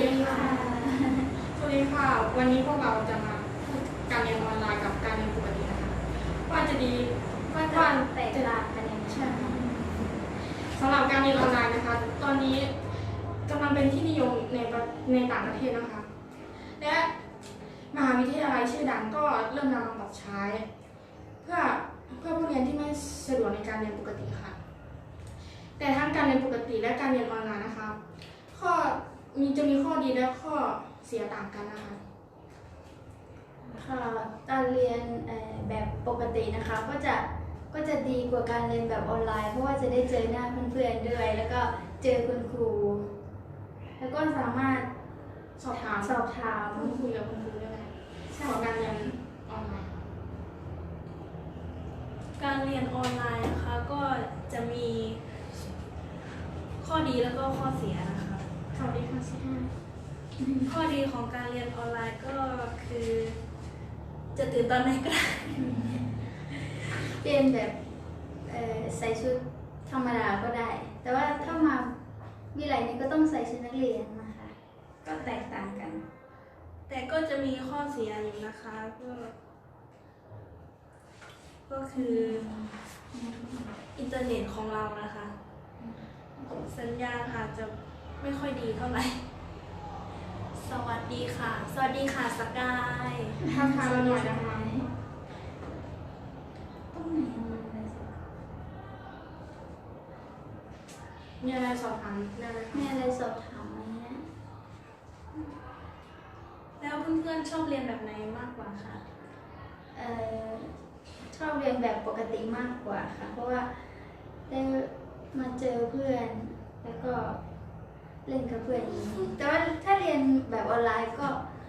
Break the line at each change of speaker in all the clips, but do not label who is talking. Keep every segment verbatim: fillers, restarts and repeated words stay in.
ดีค่ะสวัสดีค่ะวันนี้พวกเราจะมาพูดการเรียนออนไลน์กับการเรียนปกตินะคะว่าจะดี
ว่าจะแตกต่างกันยังไง
ใช่สำหรับการเรียนออนไลน์นะคะตอนนี้กำลังเป็นที่นิยมในในต่างประเทศนะคะและมหาวิทยาลัยชื่อดังก็เริ่มนำมาปรับใช้ เพื่อเพื่อผู้เรียนที่ไม่สะดวกในการเรียนปกติค่ะแต่ทั้งการเรียนปกติและการเรียนออนไลน์นะคะข้อมีจะมีข้อดีและข้อเสียต่างกันนะคะ
ค่ะการเรียนแบบปกตินะคะก็จะก็จะดีกว่าการเรียนแบบออนไลน์เพราะว่าจะได้เจอหน้าเพื่อนๆด้วยแล้วก็เจอคุณครูแล้วก็สามารถ
สอบถาม
สอบถาม
พูดคุยกับคุณครูได้ของการเรียนออนไลน์
การเรียนออนไลน์นะคะก็จะมีข้อดีแล้วก็ข้อเสียนะคะ
ข้อดีข้อเสีย
ข้อดีของการเรียนออนไลน์ก็คือจะตื่นตอนไหนก็ได้
เรียนแบบใส่ชุดธรรมดาก็ได้แต่ว่าถ้ามาวิไลนี้ก็ต้องใส่ชุดนักเรียนนะคะก็แตกต่างกัน
แต่ก็จะมีข้อเสียอยู่นะคะก็ก็คืออินเทอร์เน็ตของเรานะคะสัญญาณอาจจะไม่ค่อยดีเท่าไหร่สวัสดีค่ะสวัสดีค่ะสกาย
ทักทายเราหน่อยนะคะ
ต้องไหน
มีอะไรสอบถามได้ไหม
มีอะไรสอบถามไหมเนี่ย
แล้วเพื่อนๆชอบเรียนแบบไหนมากกว่าคะ
เอ่อชอบเรียนแบบปกติมากกว่าค่ะเพราะว่าได้มาเจอเพื่อนแล้วก็เล่นกับเพื่อนอีกแต่ว่าถ้าเรียนแบบออนไลน์ก็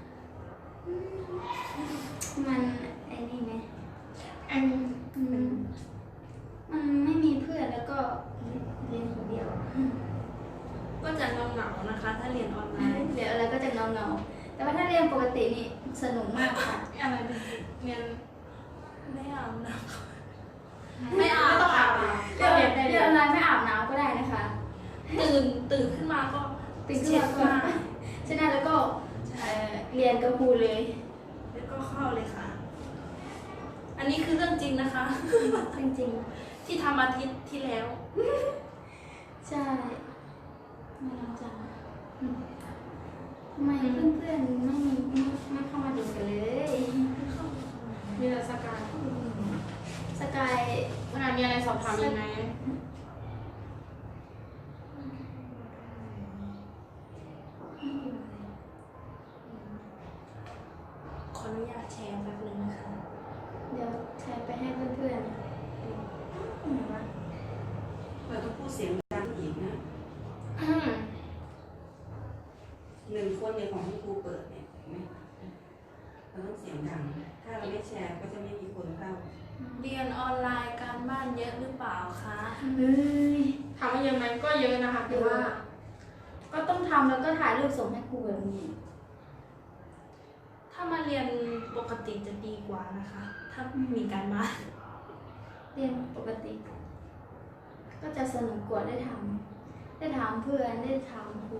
มันไอ้นี่ไหม
อัน
มันมันไม่มีเพื่อนแล้วก็เรียนคนเดียว
ก็จะเงาๆนะคะถ้าเรียนออนไลน์
เดี๋ยวอะไรก็จะเงาเงาแต่ว่าถ้าเรียนปกตินี่สนุกมากค่ะ
อะไรเรียน
ไม่อาบน้
ำไม่อาบต้องอาบ
เรียนเรียนออนไลน์ไม่อาบน้ำก็ได้นะคะ
ตื่นตื่นขึ้นมาก็
ตื่นขึ้นมาก็ใช่ไหมแล้วก็เรียนกับครูเลย
แล้วก็เข้าเลยค่ะอันนี้คือเรื่องจริงนะคะ
จริง
ๆที่ทำอาทิตย์ที่แล้ว
ใช่ไม่รู้จักทำไมเพื่อนๆไม่ไม่ไม่เข้ามาดูกันเลย
มีแต่สกาย
สกาย
ขนาดมีอะไรสอบถามอีกไหม
ขออนุญาตแชร์แป๊บนึงนะคะ
เดี๋ยวแชร์ไปให้เพื่อนๆไหนวะ
เราต้องพูดเสียงดังอีกนะหนึ่งคนในของที่ครูเปิดเนี่ยเราต้องเสียงดังถ้าเราไม่แชร์ก็จะไม่มีคนเข้า
เรียนออนไลน์การบ้านเยอะหรือเปล่าคะ
เฮ้ย
ถามว่าเยอะไหมก็เยอะนะคะแต่ว่า
ก็ต้องทำแล้วก็ถ่ายรูปส่งให้ครูแบบนี้
ถ้ามาเรียนปกติจะดีกว่านะคะ ถ้ามีการบ้าน
เรียนปกติก็จะสนุกกว่าได้ทำได้ถามเพื่อนได้ถามครู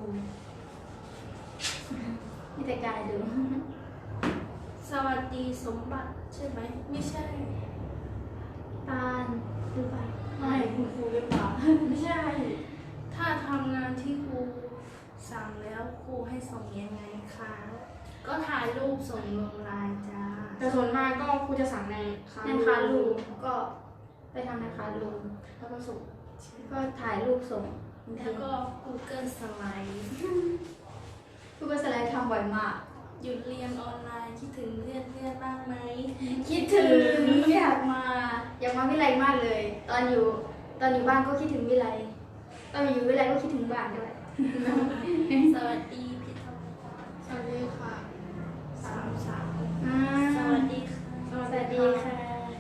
มีแต่กายดู
สวัสดีสมบัติใช่ไหมไม่ใช่
ตาลหรือเปล่า
ไม่คุณครูหรือเปล่าไม่ใช่
ถ้าทำงานที่ครูสั่งแล้วครูให้ส่งยังไงคะก็ถ่ายรูปส่งลงไลน์จ้า
แต่ส่วนมากก็ครูจะสั่งใน
ในคารูก็ไปทำในคารู
แล้วก็ส่ง
ก็ถ่ายรูปส่ง
แล้วก็ Google Slide
Google Slide ทำบ่อยมาก
หยุดเรียนออนไลน์คิดถึงเพื่อนเพื่อนบ้างไหม
คิดถึงอยากมาอยากมาวิไลมากเลยตอนอยู่ตอนอยู่บ้านก็คิดถึงวิไลตอนอยู่วิไลก็คิดถึงบ้านด้วย
สวัสดีพี่ทอม
สวัสดีค่ะ
สามสาม
ส
วัสดีค่ะ
สวัสดีค่ะ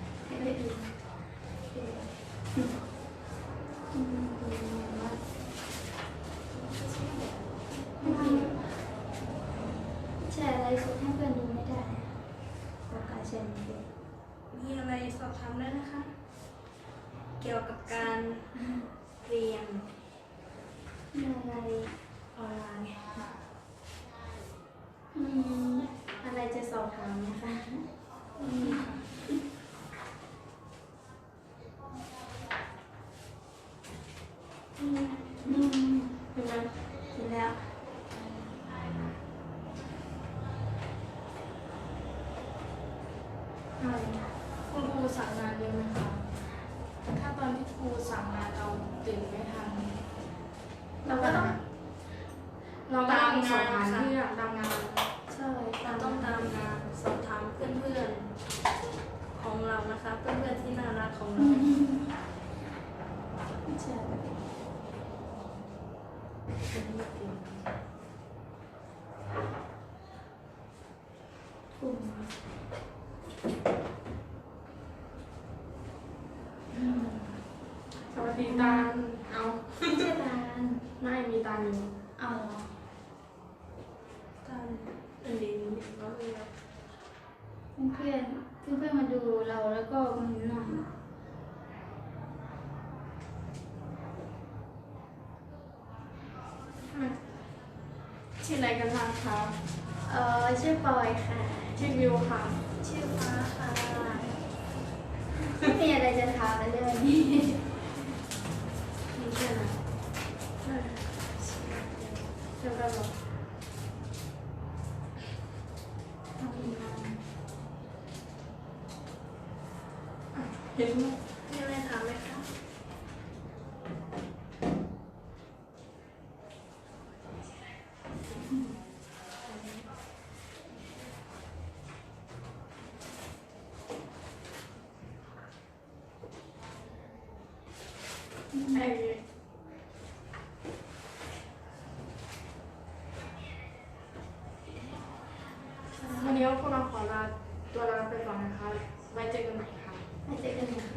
แชร์อะไรสดให้เพื่อนดูไม่ได้บอกการแชร์ไม่ได้
มีอะไรสอบถามได้นะคะเกี่ยวกับการเรียน
มีอะไร
ออนไลน์
มีอะไรจะสอบถามไหมคะ
นี่ค่ะ
อืม
เห็นไหม
เห็นแล้ว
อะไรคุณครูสั่งงานเยอะไหมคะถ้าตอนที่ครูสั่งงานเราตื่นไม่ทันเราก็ต้องเราก็ต้องสอบถามเรื่องตามงาน
ใช่
เราต้องตามงานสอบถามเพื่อนๆของเรานะคะ เพื่อนๆที่น่ารักของ
อื
เรา
มใช่ กลุ่มอืม
สวัสดีตาลเอา
ไม่ใช่ตาล
ไม่มีตาลอยู่
เอาเหรอ
ท่านอันนี้น้องเรียน
เพื่อนเพื่อนเพื่อนๆมาดูเราแล้วก็มาหน่อย
ชื่ออะไรกันบ้างคะ
เออชื่อปอยค่ะ
ชื่อวิวค่ะ
ชื่อฟ้าค่ะ
ไม่มีอะไรจะถามเลยวันนี้
มีชื่ออะไรชื่อกันหรอ
ทำงาน
เห็นไหม
มีอะไรถามไหมคะ
ไอ้วันนี้พวกเราขอลาตัวลาไปก่อนนะคะ ไว้เจอกันใหม่ค่ะ
ไว้เจอกันนะคะ